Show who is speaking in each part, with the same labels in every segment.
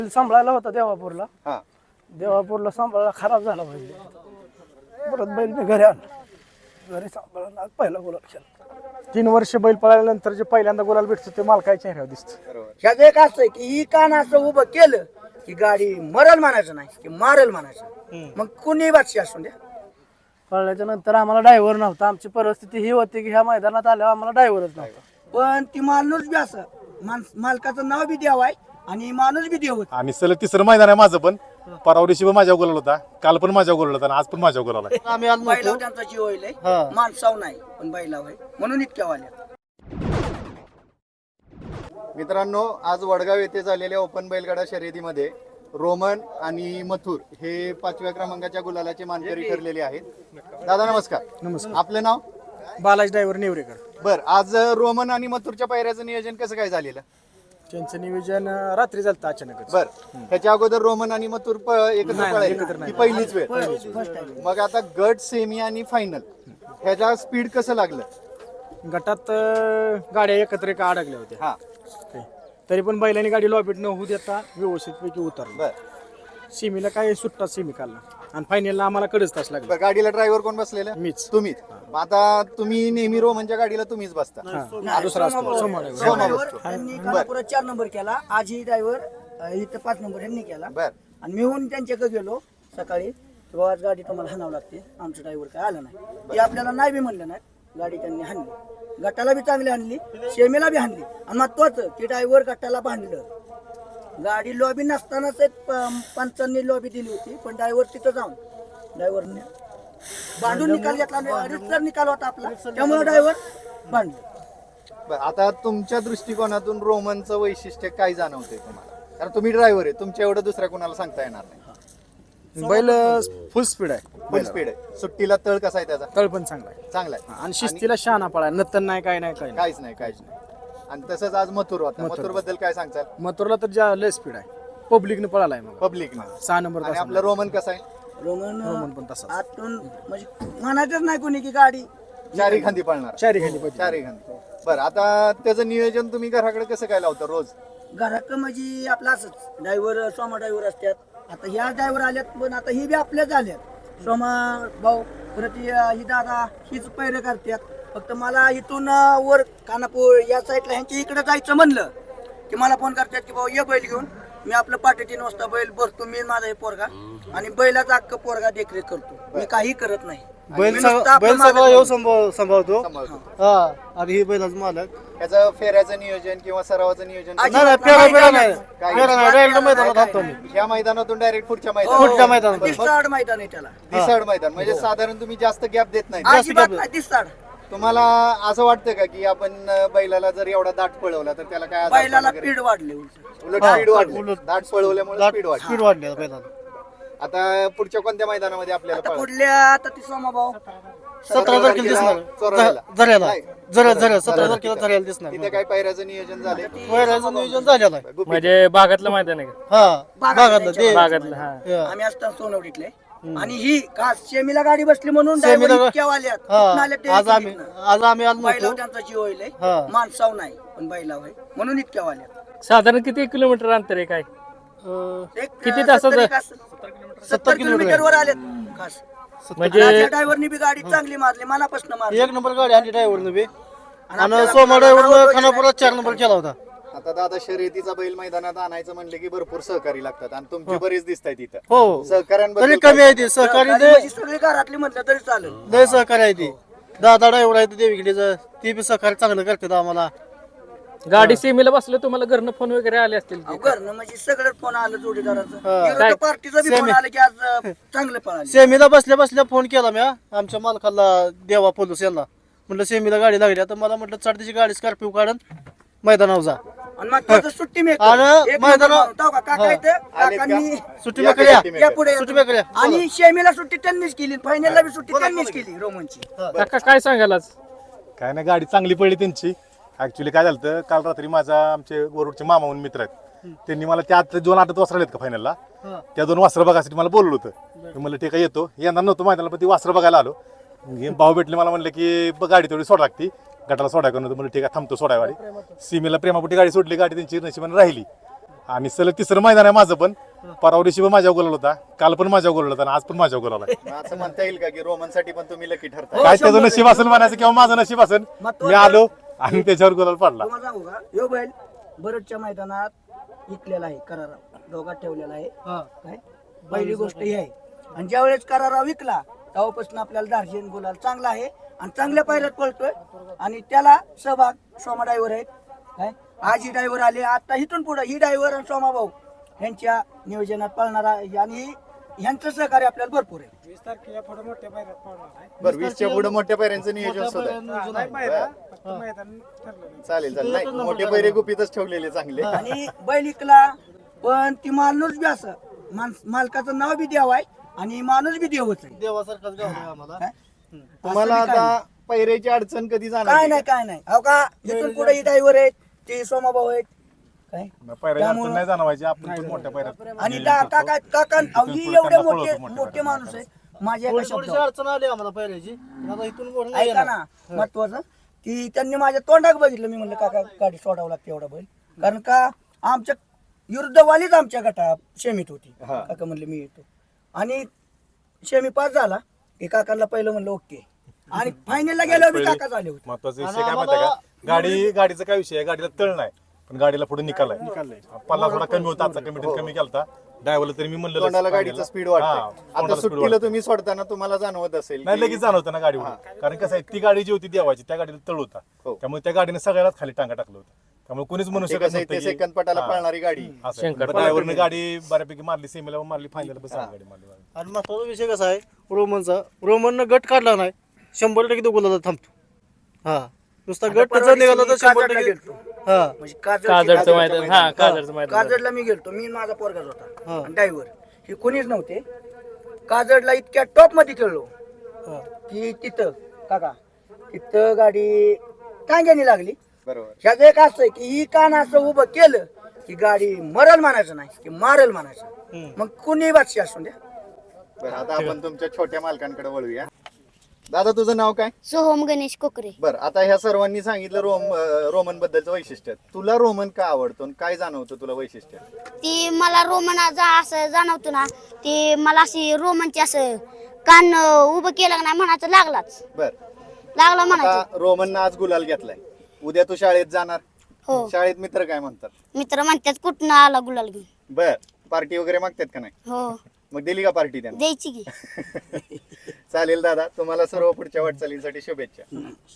Speaker 1: सांभाळायला होता देवापूरला.
Speaker 2: हा
Speaker 1: देवापूरला सांभाळायला खराब झाला बैल. परत बैल मी घरी आणला. घरी सांभाळायला पहिला गुलाब केला.
Speaker 3: 3 वर्ष बैल पळाल्यानंतर जे पहिल्यांदा गुलाल भेटतो ते मालकाच्या चेहऱ्यावर दिसतं.
Speaker 2: बरोबर.
Speaker 4: ह्याचं एक असं आहे की ही कान असं उभं केलं की गाडी मरल म्हणायचं नाही की मारल म्हणायचं. मग कुणी बादशी असून द्या.
Speaker 1: पळल्याच्या नंतर आम्हाला ड्रायव्हर नव्हता. आमची परिस्थिती ही होती की ह्या मैदानात आल्यावर आम्हाला ड्रायव्हरच नव्हता.
Speaker 4: पण ती माणूस बी असं मालकाचं नाव बी देव आहे आणि माणूस बी देव होता.
Speaker 5: आणि सलग तिसरं मैदान आहे माझं पण. परवा दिवशी पण माझ्या गोलाल होता, काल पण माझ्या गोलाल होता आणि आज पण माझ्या गोलाल आहे.
Speaker 3: आम्ही आज
Speaker 4: बैलाव त्यांचा जीव होईल माणसाव नाही पण बैलाव आहे म्हणून इतक्या वाल्या.
Speaker 2: मित्रांनो, आज वडगाव येथे झालेल्या ओपन बैलगाडा शर्यतीमध्ये रोमन आणि मथुर हे 5व्या क्रमांकाच्या गुलालाचे मानकरी ठरलेले आहेत. दादा नमस्कार.
Speaker 3: नमस्कार.
Speaker 2: आपलं नाव?
Speaker 3: बालाजी ड्रायव्हर नेवरेकर.
Speaker 2: बर, आज रोमन आणि मथुरच्या पायऱ्याचं नियोजन कसं काय झालेलं?
Speaker 3: त्यांचं नियोजन रात्री झालं अचानकच.
Speaker 2: बर, त्याच्या अगोदर रोमन आणि मथुर एकत्र पळायला ही पहिलीच वेळ.
Speaker 4: First time.
Speaker 2: मग आता गट, सेमी आणि फायनल ह्याचा स्पीड कसं लागलं?
Speaker 3: गटात गाड्या एकत्र का अडकल्या होत्या.
Speaker 2: हा
Speaker 3: तरी पण बैलांनी गाडी लॉबीट न होऊ देता व्यवस्थितपैकी उतरली.
Speaker 2: बर
Speaker 3: सीमीला काय सुट्टा सीमी काढला आणि फायनलला आम्हाला कडच तास लागला.
Speaker 2: बर, गाडीला ड्रायव्हर कोण बसलेलं?
Speaker 3: मीच.
Speaker 2: तुम्हीच. आता तुम्ही नेहमी रोमनच्या गाडीला तुम्हीच बसता.
Speaker 3: दुसरा असतो समोर.
Speaker 4: त्यांनी खानापुरात 4 नंबर केला. आज ही ड्रायव्हर इथं 5 नंबर यांनी केला.
Speaker 2: बर
Speaker 4: आणि मी होऊन त्यांच्याकडे गेलो सकाळी. तेव्हा आज गाडी तुम्हाला हाणावं लागते. आमचं ड्रायव्हर काय आला नाही. ते आपल्याला नाही बी म्हणलं नाही. गाडी त्यांनी हाणली. गटाला बी चांगली हाणली, शेमीला बी हाणली. आणि महत्वाचं की ड्रायव्हर गटाला बांधलं. गाडी लॉबी नसतानाच एक पंचांनी लॉबी दिली होती. पण ड्रायव्हर तिथं जाऊन ड्रायव्हरने बांधून निकाल घेतला. रितसर निकाल होता आपला, त्यामुळे ड्रायव्हर बांधलं.
Speaker 2: बर, आता तुमच्या दृष्टिकोनातून रोमनचं वैशिष्ट्य काय जाणवतंय तुम्हाला? कारण तुम्ही ड्रायव्हर आहे, तुमच्या एवढं दुसऱ्या कोणाला सांगता येणार नाही.
Speaker 3: बैल फुल स्पीड आहे.
Speaker 2: फुल स्पीड आहे. सुट्टीला तळ कसा आहे त्याचा?
Speaker 3: तळ पण चांगला आहे
Speaker 2: चांगला आहे.
Speaker 3: आणि शिस्तीला शहाणा पळा. नतन नाही काय नाही काय नाही.
Speaker 2: काहीच नाही, काहीच नाही. आणि तसंच आज मथुर होता. मथुर बद्दल काय सांगताल?
Speaker 3: मथुरला तर ज्या लय स्पीड आहे. पब्लिकनं पळालाय मग
Speaker 2: पब्लिक
Speaker 3: 6 नंबर
Speaker 2: आणि आपलं रोमन कसं आहे?
Speaker 4: रोमन
Speaker 3: पण तसाच.
Speaker 4: आतून म्हणजे म्हणायचंच नाही कोणी की गाडी
Speaker 2: चारी खांदी पळणार.
Speaker 3: चारी खाली पाहिजे.
Speaker 2: चारी खांदी. बरं, आता त्याचं नियोजन तुम्ही घराकडे कसं काय लावता रोज?
Speaker 4: घरात म्हणजे आपलं असंच ड्रायव्हर सोमा ड्रायव्हर असतात. आता ह्या ड्रायव्हर आल्यात पण आता ही बी आपल्याच आल्यात. सोमा भाऊ परत ही दादा हीच पैर करतात. फक्त मला इथून वर खानापूर या साईडला ह्यांच्या इकडे जायचं म्हणलं की मला फोन करतात की भाऊ ये बैल घेऊन. मी आपलं 3:30 वाजता बैल भरतो. मी माझा हे पोरगा आणि बैलाचा अख्खा पोरगा देखरेख करतो. मी काही करत नाही.
Speaker 6: बैल
Speaker 4: मी नुसतं आपलं मागं
Speaker 6: सगळं येऊ सांभाळतो.
Speaker 2: सांभाळतो.
Speaker 6: हा आणि ही बैलाच मालक.
Speaker 2: त्याचं फेऱ्याचं नियोजन किंवा सरावाचं नियोजन
Speaker 4: आज-
Speaker 6: नाही
Speaker 4: नाही,
Speaker 6: फेरा
Speaker 4: नाही,
Speaker 6: फेरा
Speaker 4: नाही.
Speaker 6: नाही. फेरा नाही. डायरेक्ट मैदानात थांबतो मी.
Speaker 2: ह्या मैदानातून डायरेक्ट पुढच्या
Speaker 4: हो,
Speaker 6: पुढच्या
Speaker 2: मैदानात.
Speaker 6: मैदानात.
Speaker 4: दिसाड मैदान आहे त्याला.
Speaker 2: दिसाड मैदान म्हणजे साधारण तुम्ही जास्त गॅप देत नाही.
Speaker 4: अजिबात नाही दिसाड.
Speaker 2: तुम्हाला असं वाटतं का की आपण बैलाला जर एवढा दाट पळवला तर त्याला काय आजार
Speaker 4: बैलाला
Speaker 2: वगैरे?
Speaker 4: पीड वाढले उलट.
Speaker 2: उलट स्पीड वाढली. दाट पळवल्यामुळे स्पीड वाढली.
Speaker 6: स्पीड वाढली बैलाला.
Speaker 2: आता पुढच्या कोणत्या मैदानामध्ये आपल्याला
Speaker 4: आता
Speaker 2: पळायचं?
Speaker 4: पुढल्या आता ती सोमा भाऊ
Speaker 6: 17 तारखेला दिसणार.
Speaker 2: चोरायला.
Speaker 6: झऱ्याला
Speaker 2: नाही.
Speaker 6: 17 तारखेला झऱ्याला दिसणार.
Speaker 2: तिथे काय पायऱ्याचं नियोजन झालंय?
Speaker 6: वैराचं नियोजन झालेलं आहे.
Speaker 2: गुपित.
Speaker 1: म्हणजे बागातलं मैदान आहे का?
Speaker 6: हा भागातलं ते.
Speaker 1: बागातलं हा.
Speaker 6: हा.
Speaker 4: आम्ही असताना सोनवडीतले आणि ही खास शेमीला गाडी बसली म्हणून
Speaker 6: शेमीला
Speaker 4: driver इतक्या वाल्यात.
Speaker 6: हा.
Speaker 4: कुठनं आल्या ते
Speaker 6: आज आम्ही
Speaker 4: इतक्या.
Speaker 6: आज आम्ही आज
Speaker 4: बैलाव
Speaker 6: नव्हतो.
Speaker 4: त्यांचा जीव होईल
Speaker 6: हा.
Speaker 4: माणसाव नाही पण बैलाव आहे म्हणून इतक्या वाल्यात.
Speaker 1: साधारण किती किलोमीटर अंतर आहे काय?
Speaker 4: एक
Speaker 1: किती तासाचं?
Speaker 4: 70 किलोमीटर वर आलेत खास.
Speaker 1: म्हणजे
Speaker 4: ड्रायव्हरनी बी गाडी चांगली मारली मनापासून मारली.
Speaker 6: 1 नंबर गाडी आणली ड्रायव्हरनं बी. आणि
Speaker 4: आपल्याला
Speaker 6: सोमा ड्रायव्हरनं
Speaker 4: नाव
Speaker 6: खानापुरात 4 नंबर केला होता.
Speaker 2: आता दादा शर्यतीचा बैल मैदानात आणायचं म्हणले की भरपूर सहकारी लागतात आणि तुमची बरेच दिसत आहेत इथं.
Speaker 6: हो
Speaker 2: सहकाऱ्यांबद्दल
Speaker 6: तरी कमी आहे ती सहकारी.
Speaker 4: गाडी म्हणजे सगळी घरातली म्हटलं तरी चालेल.
Speaker 6: लय सहकारी आहे ती. दादा ड्रायव्हर आहे देवीकडे. ती बी सहकार्य चांगलं करतात आम्हाला.
Speaker 1: गाडी सीमेला बसलं तुम्हाला घरनं फोन वगैरे आले असतील की?
Speaker 4: घरनं म्हणजे सगळं फोन आलं जोडीदाराचं.
Speaker 6: हा.
Speaker 4: विरोधी पार्टीचा बी फोन आलं की आज चांगलं पळाले.
Speaker 6: सेमीला बसल्या बसल्या फोन केला मी आमच्या मालकाला देवा पोलीस यांना. म्हटलं सेमीला गाडी लागली. आता मला म्हटलं चढ त्याची गाडी स्कॉर्पिओ काढून मैदानावर जा.
Speaker 4: आणि मग त्याचं सुट्टी मी
Speaker 6: आणि मैदानावर-
Speaker 4: काका इथं काकांनी
Speaker 6: सुट्टी मेकड्या
Speaker 4: या पुढे
Speaker 6: सुट्टी मेकड्या.
Speaker 4: आणि शेमीला सुट्टी त्यांनीच केली फायनलला बी सुट्टी त्यांनीच केली रोमनची.
Speaker 1: काका काय सांगाल आज?
Speaker 5: काय नाही, गाडी चांगली पडली त्यांची. ऍक्च्युली काय झालं काल रात्री माझा आमचे वरुडचे मामा म्हणून मित्र आहेत, त्यांनी मला त्या 2 आठवत वासरं आहेत का फायनलला, त्या 2 वासरं बघायसाठी मला बोललं होतं. मी म्हणलं ठीक आहे येतो. यंदा नव्हतं मैदानाला पण ती वासरं बघायला आलो. भाऊ भेटले मला म्हणलं की गाडी थोडी सोडा लागती, गटाला सोडाय करून. म्हणलं ठीक आहे थांबतो सोडाय गाडी. सीमेला प्रेमापोटी गाडी सोडली. गाडी त्यांची नशिबाने राहिली आणि सलग तिसरं मैदान आहे माझं पण. परवा दिवशी पण माझ्या गोलाल होता, काल पण माझ्या गोलाल होता आणि आज पण माझ्या गोलाल आहे.
Speaker 2: मग असं म्हणता येईल का की रोमनसाठी पण तुम्ही लकी ठरता?
Speaker 5: काय त्याचं नशीब असेल म्हणायचं किंवा माझं नशीब असेल, मी आलो आणि त्याच्यावर गोलाल पडला.
Speaker 4: तुम्हाला सांगू का, यो बैल बरडच्या मैदानात विकलेला आहे, करारा दोघात ठेवलेला आहे. काय पहिली गोष्ट ही आहे. आणि ज्यावेळेस करारा विकला तेव्हापासून आपल्याला दार्जिन गुलाल चांगला आहे आणि चांगल्या पायऱ्यात पळतोय. आणि त्याला सहभाग सोमा ड्रायव्हर आहेत. काय आज ही ड्रायव्हर आले, आता इथून पुढे ही ड्रायव्हर आणि सोमा भाऊ यांच्या नियोजनात पळणारा आहे. आणि ह्यांचं सहकार्य आपल्याला भरपूर आहे.
Speaker 2: बरं 20च्या पुढे मोठ्या पैऱ्यांचं नियोजन सुद्धा चालेल चालेल. नाही मोठे पैरे गुपितच ठेवलेले चांगले.
Speaker 4: आणि बैल इकला पण ती माणूस बी असं मालकाचं नाव बी देव आहे आणि माणूस बी देवच आहे.
Speaker 6: देवासारखाच गाव आहे आम्हाला.
Speaker 4: काय?
Speaker 2: तुम्हाला
Speaker 4: असं बी काय
Speaker 2: आता पैऱ्याची अडचण कधी
Speaker 4: काय
Speaker 2: जाणार?
Speaker 4: नाही काय नाही. अहो का इथून पुढे ही ड्रायव्हर आहेत, ते सोमाभाऊ आहेत. काय
Speaker 5: पायऱ्याची अडचण नाही जाणवायची, आपण पण मोठ्या पायऱ्यात
Speaker 4: आणि काका काका अहो, ही एवढे मोठे माणूस आहे. माझ्या एका
Speaker 6: थोडीशी
Speaker 4: शब्दावर
Speaker 6: अडचण आली आम्हाला पहिल्याची. आता इथून पुढे नाही
Speaker 4: ऐका
Speaker 6: येणार.
Speaker 4: ना, महत्वाचं की त्यांनी माझ्या तोंडात बघितलं. मी म्हणलं काका गाडी सोडावं लागते एवढा बैल, कारण का आमच्या विरुद्धवालीच आमच्या गटा शेमीत होती. काका म्हणले मी येतो. आणि शेमी पास झाला की काकांना पहिलं म्हणलं ओके. आणि फायनलला गेल्यावर मी काका झाले होते.
Speaker 5: महत्वाचा विषय काय माहिती का, गाडीचा काय विषय आहे, गाडीला तळ नाही पण गाडीला पुढे निकाल आहे. पल्ला थोडा कमी होता, आजचा कमिटीत कमी केलता ड्रायव्हरला, तरी मी म्हणलं
Speaker 2: तोंडाला गाडीचा स्पीड वाढते. आता सुट्टीला तुम्ही सोडताना तुम्हाला जाणवत असेल
Speaker 5: नाही
Speaker 2: की-
Speaker 5: लगेच जाणवतं ना गाडीवर, कारण कसं आहे ती गाडी जी होती देवाची त्या गाडीला तळ होता,
Speaker 2: हो.
Speaker 5: त्यामुळे त्या गाडीने सगळ्यालाच खाली टांगा टाकलं होतं. त्यामुळे कोणीच म्हणू
Speaker 2: ते
Speaker 5: शकत
Speaker 2: कसं आहे, ते सेकंद पटाला पळणारी गाडी.
Speaker 5: ड्रायव्हरने गाडी बऱ्यापैकी मारली, सेमीला मारली, फायनल पण गाडी मारली.
Speaker 6: आणि महत्वाचा विषय कसा आहे रोमनचा, रोमननं गट काढला नाही 100% तो गुलाला थांबतो. हा नुसता गट त्याचा निघाला तर 100%
Speaker 4: गेलतो.
Speaker 6: हा
Speaker 4: म्हणजे
Speaker 7: काजळचं मैदान, हा काजळचं मैदान.
Speaker 4: काजडला मी गेलतो, मी माझा पोरगाच होता ड्रायव्हर. हे कोणीच नव्हते. काजडला इतक्या टॉप मध्ये खेळलो की तिथं काका तिथं गाडी टांग्याने लागली.
Speaker 2: बरोबर.
Speaker 4: ह्याचं एक असं आहे की ही कान असं उभं केलं की गाडी मरल म्हणायचं नाही की मारल म्हणायचं. मग कुणी बादशी असून द्या.
Speaker 2: बरं आता आपण तुमच्या छोट्या मालकांकडे वळूया. दादा तुझं नाव काय?
Speaker 8: सोहम गणेश कोकरे.
Speaker 2: बरं आता ह्या सर्वांनी सांगितलं रोमन बद्दलचं वैशिष्ट्य. तुला रोमन का आवडतो आणि काय जाणवतं तुला वैशिष्ट्य?
Speaker 8: ती मला रोमन असं जाणवतो ना, ती मला अशी रोमनची असं कान उभं केलं का नाही म्हणायचं लागलाच लागला म्हणायचं.
Speaker 2: आता रोमननं आज गुलाल घेतलाय, उद्या तू शाळेत जाणार.
Speaker 8: हो.
Speaker 2: शाळेत मित्र काय म्हणतात?
Speaker 8: मित्र म्हणतात कुठनं आला गुलाल घेऊन.
Speaker 2: बर पार्टी वगैरे मागतात का नाही?
Speaker 8: हो
Speaker 2: मग दिली का पार्टी त्यांना?
Speaker 8: द्यायची की.
Speaker 2: चालेल दादा, तुम्हाला सर्व पुढच्या वाटचालींसाठी शुभेच्छा.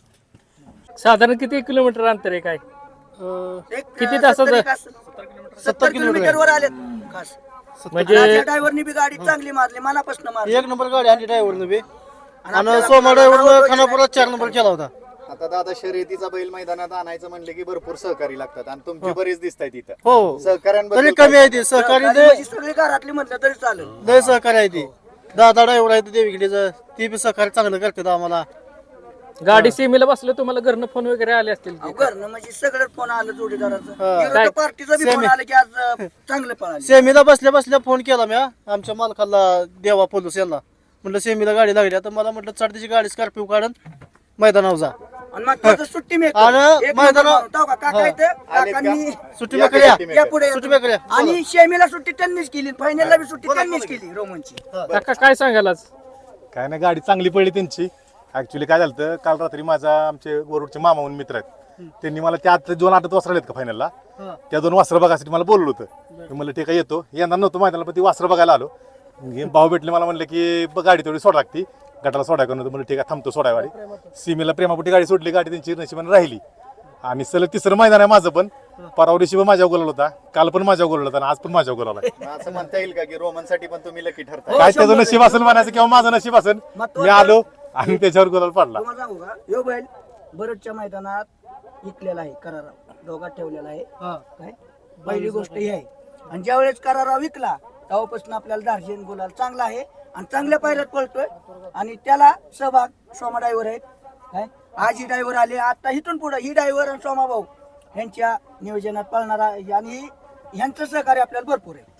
Speaker 7: साधारण किती किलोमीटर अंतर आहे काय? किती तासाचं?
Speaker 4: 70 किलोमीटर वर आले खास.
Speaker 7: म्हणजे
Speaker 4: ड्रायव्हरनी बी गाडी चांगली मारली, मनापासून मारली.
Speaker 6: 1 नंबर गाडी आणली ड्रायव्हरनं बी. आणि सोमा ड्रायव्हरनं खानापुरात 4 नंबर केला होता.
Speaker 2: आता दादा शर्यतीचा बैल मैदानात आणायचं म्हणले की भरपूर सहकारी लागतात आणि तुमची बरीच दिसत आहेत इथं.
Speaker 6: हो
Speaker 2: सहकाऱ्यांबद्दल
Speaker 6: तरी कमी आहे ती सहकारी
Speaker 4: गाडी म्हणजे सगळी घरातली म्हटलं तरी चालेल.
Speaker 6: लय सहकारी आहे ती. दादा ड्रायव्हर आहे देवीकडे, ती बी सहकार्य चांगलं करतात आम्हाला.
Speaker 7: गाडी सीमेला बसलं तुम्हाला घरनं फोन वगैरे आले असतील की?
Speaker 4: घरनं म्हणजे सगळं फोन आलं जोडीदाराचं.
Speaker 6: काय?
Speaker 4: विरोधी पार्टीचा बी फोन आलं की आज चांगलं पळाले.
Speaker 6: सेमीला बसल्या बसल्या फोन केला मी आमच्या मालकाला देवा पोलूस यांना. म्हटलं सेमीला गाडी लागली, आता मला म्हटलं चढ त्याची गाडी स्कॉर्पिओ काढून मैदानावर जा.
Speaker 4: आणि मग त्याचं सुट्टी मेकर.
Speaker 6: आणि
Speaker 4: एक
Speaker 6: मैदानावर-
Speaker 4: नंबर होता का? काका इथं, काकांनी
Speaker 6: सुट्टी मेकर या.
Speaker 4: या पुढे
Speaker 6: सुट्टी मेकर या.
Speaker 4: आणि शेमीला सुट्टी त्यांनीच केली, फायनलला बी सुट्टी त्यांनीच केली रोमनची.
Speaker 7: काका काय सांगाल आज?
Speaker 5: काय नाही, गाडी चांगली पडली त्यांची. ऍक्च्युली काय झालं, काल रात्री माझा आमचे गोरुडचे मामा म्हणून मित्र आहेत, त्यांनी मला त्यात 2 आठवत वासरं आहेत का फायनलला, त्या 2 वासरं बघायसाठी मला बोललं होतं. मी म्हणलं ठीक आहे येतो. यंदा नव्हतं मैदानाला, पण ती वासरं बघायला आलो. भाऊ भेटले मला म्हणलं की गाडी तेवढी सोडा लागती, गटाला सोडाय करून म्हणलं ठीक आहे थांबतो सोडाय गाडी. सीमेला प्रेमापोटी गाडी सोडली, गाडी त्यांची नशिबाने राहिली. आणि सलग तिसरं मैदान आहे माझं पण. परवा दिवशी पण माझ्या गोलाल होता, काल पण माझ्या गोलाल होता आणि आज पण माझ्या गोलाल आहे.
Speaker 2: मग असं म्हणता येईल का की रोमनसाठी पण तुम्ही लकी ठरता?
Speaker 5: काय त्याचं नशीब असेल म्हणायचं किंवा माझं नशीब असेल, मी आलो आणि त्याच्यावर गोलाल पडला.
Speaker 4: तुम्हाला सांगू का, यो बैल बरडच्या मैदानात विकलेला आहे, करारा दोघात ठेवलेला आहे. काय पहिली गोष्ट ही आहे. आणि ज्यावेळेस करारा विकला तेव्हापासून आपल्याला दार्जिन गुलाल चांगला आहे आणि चांगल्या पायऱ्यात पळतोय. आणि त्याला सहभाग सोमा ड्रायव्हर आहेत. काय आज ही ड्रायव्हर आले, आता इथून पुढे ही ड्रायव्हर आणि सोमा भाऊ यांच्या नियोजनात पळणारा आहे. आणि ह्यांचं सहकार्य आपल्याला भरपूर आहे.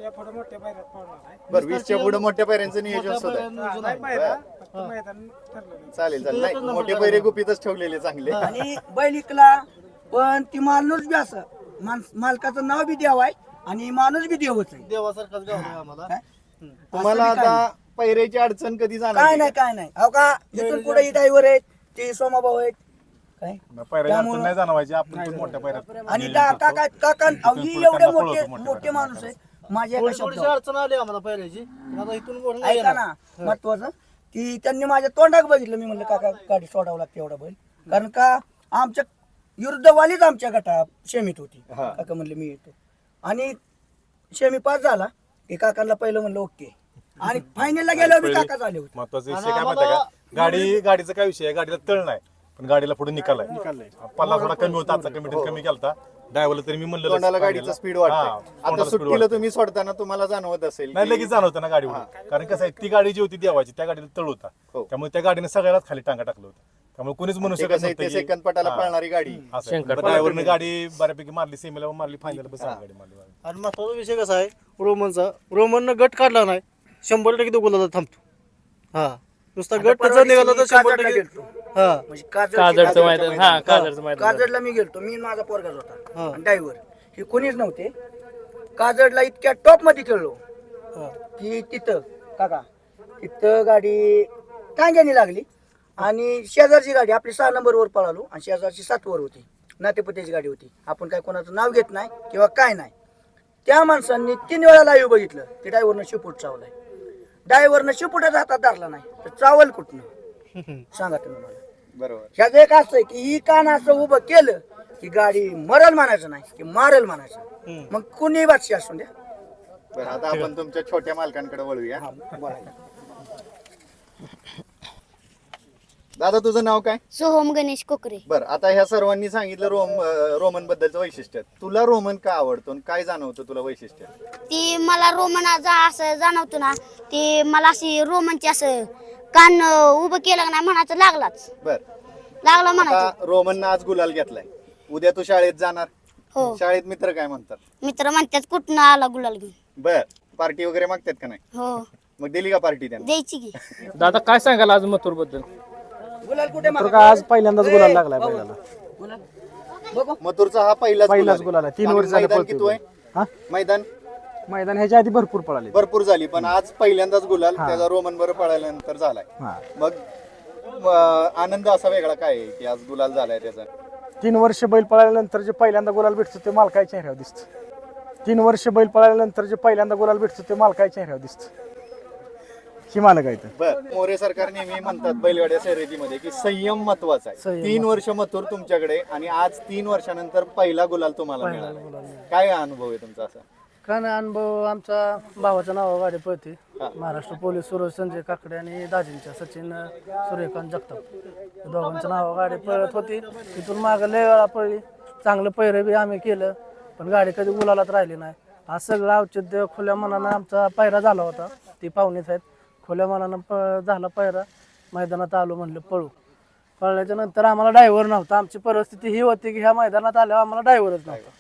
Speaker 2: बरं 20च्या पुढे मोठ्या पैऱ्यांचं नियोजन सुद्धा चालेल चालेल. नाही मोठे पैरे गुपितच ठेवलेले चांगले.
Speaker 4: आणि बैल इकला पण ती माणूस बी असं मालकाचं नाव बी देव आहे आणि माणूस बी देवच आहे.
Speaker 6: देवासारखाच गाव आहे आम्हाला.
Speaker 4: काय?
Speaker 2: तुम्हाला
Speaker 4: असं बी काय
Speaker 2: आता पैरेची अडचण कधी
Speaker 4: काय
Speaker 2: जाणार
Speaker 4: नाही काय नाही अहो का इथून पुढे ही ड्रायव्हर आहेत ते सोमाभाऊ आहेत काय
Speaker 5: पायऱ्या अडचण नाही जाणवायची आपण पण मोठ्या पायऱ्यात
Speaker 4: आणि काका अहो, ही एवढे मोठे मोठे माणूस आहे माझ्या एका
Speaker 6: थोडी थोडीशी
Speaker 4: शब्दावर
Speaker 6: अडचण आली आम्हाला पहिल्याची पण आता इथून पुढे नाही
Speaker 4: ऐका
Speaker 6: येणार.
Speaker 4: ना महत्वाचं की त्यांनी माझ्या तोंडात बघितलं मी म्हणलं काका गाडी सोडावं लागते एवढा बैल कारण का आमच्या विरुद्धवालीच आमच्या गटा शेमीत होती काका म्हणले मी येतो आणि शेमी पास झाला की काकांना पहिलं म्हणलं ओके आणि फायनलला गेल्यावर बी काका झाले होते.
Speaker 5: महत्वाचा विषय काय माहिती का गाडीचा काय विषय आहे गाडीला तळ नाही पण गाडीला पुढे निकाल आहे पल्ला थोडा कमी होता आजचा कमी केलता ड्रायव्हरला तरी मी म्हणलं
Speaker 2: तोंडाला गाडीचं स्पीड वाटतं आता सुट्टीला तुम्ही सोडताना तुम्हाला जाणवत असेल
Speaker 5: नाही लगेच जाणवतं ना गाडीवर कारण कसं आहे ती गाडी जी होती देवाची त्या गाडीला तळ होता त्यामुळे त्या गाडीने सगळ्यालाच खाली टांगा टाकलं होतं त्यामुळे कोणीच म्हणू शकत नव्हतं की-
Speaker 2: सेकंद पटाला पळणारी गाडी
Speaker 5: ड्रायव्हरने गाडी बऱ्यापैकी मारली सेमीला मारली फायनल बस गाडी मारली
Speaker 6: आणि महत्वाचा विषय कसा आहे रोमननं गट काढला नाही 100% तो गुलाला थांबतो. हा नुसता गट
Speaker 4: परवा
Speaker 6: जर निघाला तर
Speaker 4: दिवशी
Speaker 6: 100%
Speaker 4: काजळला गेलतो.
Speaker 6: हा
Speaker 4: म्हणजे
Speaker 7: काजळचं मैदान हा काजळचं मैदान
Speaker 4: काजडला मी गेलतो मी माझा पोरगाच होता ड्रायव्हर हे कोणीच नव्हते काजडला इतक्या टॉप मध्ये खेळलो की तिथं काका तिथं गाडी टांग्याने लागली आणि शेजारची गाडी आपली 6 नंबरवर पळालो आणि शेजारची 7 वर होती नातेपुत्याची गाडी होती आपण काय कोणाचं नाव घेत नाही किंवा काय नाही त्या माणसांनी 3 वेळा लाईव्ह बघितलं की ड्रायव्हरनं शिपूट चावलाय ड्रायव्हरनं शिपुटाचा हातात धरला नाही तर चावल कुठनं सांगा तुम्ही मला
Speaker 2: बरोबर
Speaker 4: ह्याचं एक असं आहे की ही कान असं उभं केलं की गाडी मरल म्हणायचं नाही की मारल म्हणायचं मग कुणी बादशी असून द्या
Speaker 2: बरं आता आपण तुमच्या छोट्या मालकांकडे वळूया
Speaker 4: बोलायला
Speaker 2: दादा तुझं नाव काय
Speaker 8: सोहम गणेश कोकरे.
Speaker 2: बरं आता ह्या सर्वांनी सांगितलं रोमन बद्दलचं वैशिष्ट्य तुला रोमन का आवडतो आणि काय जाणवतं तुला वैशिष्ट्य
Speaker 8: ती मला रोमन असं जाणवतो ना ती मला अशी रोमनची असं कान उभं केलं का नाही म्हणायचं लागलाच
Speaker 2: बर
Speaker 8: लागला म्हणायचं.
Speaker 2: आता रोमननं आज गुलाल घेतलाय उद्या तू शाळेत जाणार
Speaker 8: हो
Speaker 2: शाळेत मित्र काय म्हणतात
Speaker 8: मित्र म्हणतात कुठनं आला गुलाल घेऊन.
Speaker 2: बर पार्टी वगैरे मागतात का नाही
Speaker 8: हो
Speaker 2: मग दिली का पार्टी त्यांना
Speaker 8: द्यायची की.
Speaker 7: दादा काय सांगाल आज मथुर बद्दल
Speaker 4: गुलाल कुठे
Speaker 3: तर का आज पहिल्यांदाच गुलाल लागलाय बैलाला
Speaker 4: गुलाल बघू
Speaker 2: मथुरचा हा पहिलाच
Speaker 3: गुलाल आहे. 3 वर्ष झालं
Speaker 2: मैदान
Speaker 3: पळतोय
Speaker 2: किती आहे
Speaker 3: हा
Speaker 2: मैदान
Speaker 3: मैदान ह्याच्या आधी भरपूर पळाले
Speaker 2: भरपूर झाली पण आज पहिल्यांदाच गुलाल त्याचा रोमन बरोबर पळाल्यानंतर झालाय
Speaker 3: हा
Speaker 2: मग आनंद असा वेगळा काय आहे की आज गुलाल झालाय त्याचा
Speaker 3: 3 वर्ष बैल पळाल्यानंतर जे पहिल्यांदा गुलाल भेटतो ते मालकाच्या चेहऱ्यावर दिसतं 3 वर्ष बैल पळाल्यानंतर जे पहिल्यांदा गुलाल भेटतो ते मालकाच्या चेहऱ्यावर दिसतं ही मालक आहे तर
Speaker 2: बर मोरे सरकार नेहमी म्हणतात बैलगाड्या शर्यतीमध्ये की संयम महत्वाचा आहे 3 वर्ष मथुर तुमच्याकडे आणि आज 3 वर्षानंतर पहिला गुलाल तुम्हाला मिळाला काय अनुभव आहे तुमचा असा
Speaker 1: काय नाही अनुभव आमचा भावाचं नाव गाडी पळते महाराष्ट्र पोलीस सूरज संजय काकडे आणि दाजींच्या सचिन सूर्यकांत जगताप दोघांचं नाव गाडी पळत होती तिथून मागं लय वेळा पळली चांगलं पैरे बी आम्ही केलं पण गाडी कधी गुलालात राहिली नाही आज सगळं औचित्य खुल्या मनानं आमचा पायरा झाला होता ती पाहुणेच आहेत खुल्या मनानं झाला पायरा मैदानात आलो म्हणलं पळू पळल्याच्या नंतर आम्हाला ड्रायव्हर नव्हता आमची परिस्थिती ही होती की ह्या मैदानात आल्यावर आम्हाला ड्रायव्हरच नव्हता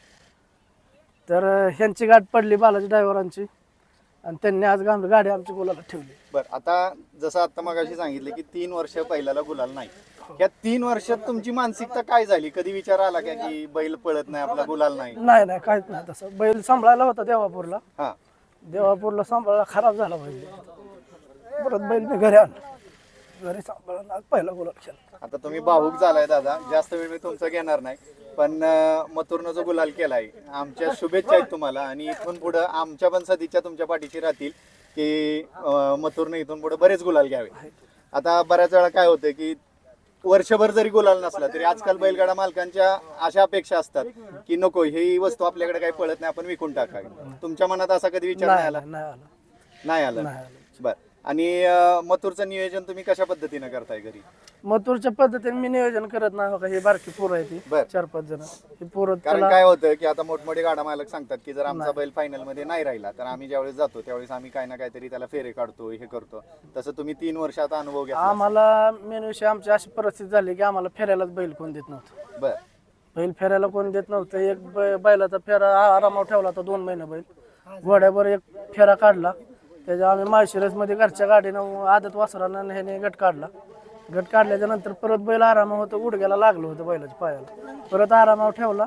Speaker 1: तर ह्यांची गाठ पडली बालाजी ड्रायव्हरांची आणि त्यांनी आज गाडी आमची गुलाला ठेवली.
Speaker 2: बर आता जसं आता मगाशी सांगितलं की 3 वर्ष पहिल्याला गुलाल नाही या 3 वर्षात तुमची मानसिकता काय झाली कधी विचार आला का की बैल पळत नाही आपला गुलाल नाही
Speaker 1: नाही काहीच नाही तसं बैल सांभाळायला होता देवापूरला
Speaker 2: हा
Speaker 1: सांभाळायला खराब झाला बैल परत बैल मी घरी आणलं घरी सांभाळला आज पहिला गुलाल केला.
Speaker 2: आता तुम्ही भावूक झालाय दादा जास्त वेळ मी तुमचा घेणार नाही पण मथुरनं जो गुलाल केलाय आमच्या शुभेच्छा आहेत तुम्हाला आणि इथून पुढे आमच्या पण सदिच्छा तुमच्या पाठीशी राहतील की मथुरनं इथून पुढे बरेच गुलाल घ्यावे. आता बऱ्याच वेळा काय होतं की वर्षभर जरी गुलाल नसला तरी आजकाल बैलगाडा मालकांच्या अशा अपेक्षा असतात की नको ही वस्तू आपल्याकडे काही पळत नाही आपण विकून टाकावी तुमच्या मनात असा कधी विचार नाही आला नाही आला बर आणि मथुरचं नियोजन तुम्ही कशा पद्धतीने करताय घरी
Speaker 1: मथुरच्या पद्धतीने मी नियोजन करत नाही बघा ही बारकी पोरं आहे ती
Speaker 2: बर.
Speaker 1: 4-5 जण ही पोरं
Speaker 2: कारण काय होतं की आता मोठमोठे गाडा मालक सांगतात की जर आमचा बैल फायनल मध्ये नाही राहिला तर आम्ही ज्यावेळेस जातो त्यावेळेस आम्ही काही ना काहीतरी त्याला फेरे काढतो हे करतो तसं तुम्ही 3 वर्षात अनुभव घ्या
Speaker 1: आम्हाला मेन विषय आमची अशी परिस्थिती झाली की आम्हाला फेऱ्यालाच बैल कोण देत नव्हतं
Speaker 2: बर
Speaker 1: बैल फेऱ्याला कोण देत नव्हतं एक बैलाचा फेरा आरामावर ठेवला होता 2 महिने बैल घोड्यावर एक फेरा काढला त्याच्या आम्ही माळशिरसमध्ये घरच्या गाडीनं आदत वासरानं ह्याने गट काढल्याच्या नंतर परत बैल आरामावर होतं गुडघ्याला लागलं होतं बैलाच्या पायाला परत आरामावर ठेवला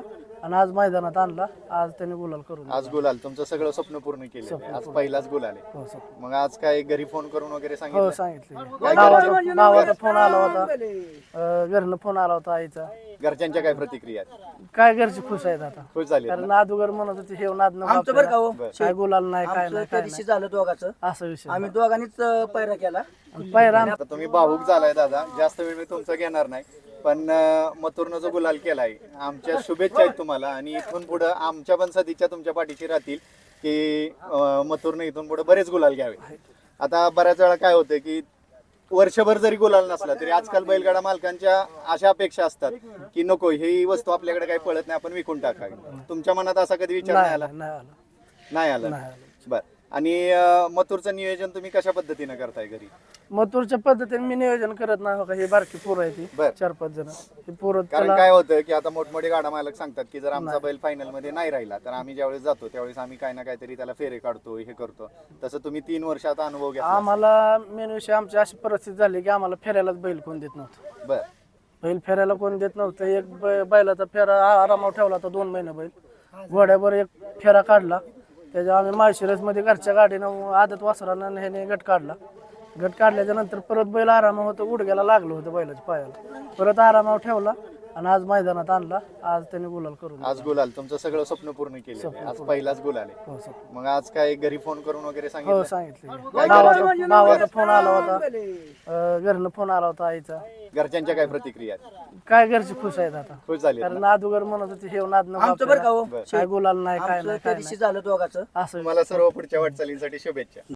Speaker 1: आणि आज मैदानात आणला. आज त्यांनी गुलाल करून
Speaker 2: आज गुलाल तुमचं सगळं स्वप्न पूर्ण केलं, आज पहिलाच गुलाल आहे.
Speaker 1: हो सर.
Speaker 2: मग आज काय घरी फोन करून वगैरे
Speaker 1: हो
Speaker 2: सांगितलं?
Speaker 1: सांगितले. भावाचा फोन आला होता, घरनं फोन आला होता आईचा.
Speaker 2: घरच्यांच्या काय प्रतिक्रिया आहेत?
Speaker 1: काय घरचे खुश आहेत आता,
Speaker 2: खुश झाली
Speaker 1: कारण अगोदर म्हणत होते हे नाद नको
Speaker 4: आमचं बरं का हो
Speaker 1: आपल्याला. काय गुलाल नाही काय
Speaker 4: आमचं
Speaker 1: नाही
Speaker 4: त्या
Speaker 1: काय
Speaker 4: दिवशी झालं दोघाचं,
Speaker 1: नाही असा विषय.
Speaker 4: आम्ही दोघांनीच पैरा केला.
Speaker 1: आणि पहिला
Speaker 2: आता तुम्ही भावूक झालाय दादा, जास्त वेळ मी तुमचं घेणार नाही, पण मथुरनं जो गुलाल केलाय, आमच्या शुभेच्छा आहेत तुम्हाला. आणि इथून पुढे आमच्या पण सदिच्छा तुमच्या पाठीशी राहतील की मथुरनं इथून पुढे बरेच गुलाल घ्यावे. आता बऱ्याच वेळा काय होतं की वर्षभर जरी गुलाल नसला तरी आजकाल बैलगाडा मालकांच्या अशा अपेक्षा असतात की नको ही वस्तू आपल्याकडे काही पळत नाही, आपण विकून टाकावी. तुमच्या मनात असा कधी विचार नाही आला?
Speaker 1: नाही आला.
Speaker 2: नाही आला.
Speaker 1: नाही आला.
Speaker 2: बर. आणि मथुरचं नियोजन तुम्ही कशा पद्धतीनं करताय घरी?
Speaker 1: मथुरच्या पद्धतीने मी नियोजन करत नाही हो का. ही बारकी पोरं आहे ती
Speaker 2: बर.
Speaker 1: 4-5 जण. ही पोरं
Speaker 2: कारण
Speaker 1: त्याला
Speaker 2: काय होतं की आता मोठमोठे गाडा मालक सांगतात की जर आमचा बैल फायनल मध्ये नाही राहिला तर आम्ही ज्यावेळेस जातो त्यावेळेस आम्ही काही ना काहीतरी त्याला फेरे काढतो, हे करतो. तसं तुम्ही 3 वर्षात अनुभव घेतला.
Speaker 1: आम्हाला मेन विषय आमची अशी परिस्थिती झाली की आम्हाला फेरायलाच बैल कोण देत नव्हतं.
Speaker 2: बर.
Speaker 1: बैल फेरायला कोण देत नव्हतं. एक बैलाचा फेरा आरामावर ठेवला होता 2 महिने बैल. घोड्यावर एक फेरा काढला, त्याच्या आम्ही माळशिरसमध्ये घरच्या गाडीनं आदत वासरानं ह्याने गट काढला. गट काढल्याच्या नंतर परत बैल आरामावर होतं, गुडघ्याला लागलं होतं बैलाच्या पायाला. परत आरामावर ठेवला आणि आज मैदानात आणला. आज त्यांनी गुलाल करून
Speaker 2: आज गुलाल तुमचं सगळं स्वप्न पूर्ण केलं, आज पहिलाच गुलाल आहे.
Speaker 1: हो सर.
Speaker 2: मग आज काय घरी फोन करून वगैरे
Speaker 1: हो
Speaker 2: सांगितलं?
Speaker 1: सांगितले. भावाचा फोन आला होता, घरनं फोन आला होता आईचा.
Speaker 2: घरच्यांच्या काय प्रतिक्रिया आहेत?
Speaker 1: काय घरचे खुश आहेत आता,
Speaker 2: खुश झाली
Speaker 1: कारण अगोदर म्हणत होते हे नाद नको
Speaker 4: आमचं बरं का
Speaker 1: आपल्याला.
Speaker 4: हो
Speaker 1: काय गुलाल नाही काय
Speaker 4: आमचं
Speaker 1: नाही
Speaker 4: त्या
Speaker 1: काय
Speaker 4: दिवशी
Speaker 1: नाही
Speaker 4: झालं दोघाचं.
Speaker 1: असं
Speaker 2: तुम्हाला सर्व पुढच्या वाटचालीसाठी शुभेच्छा.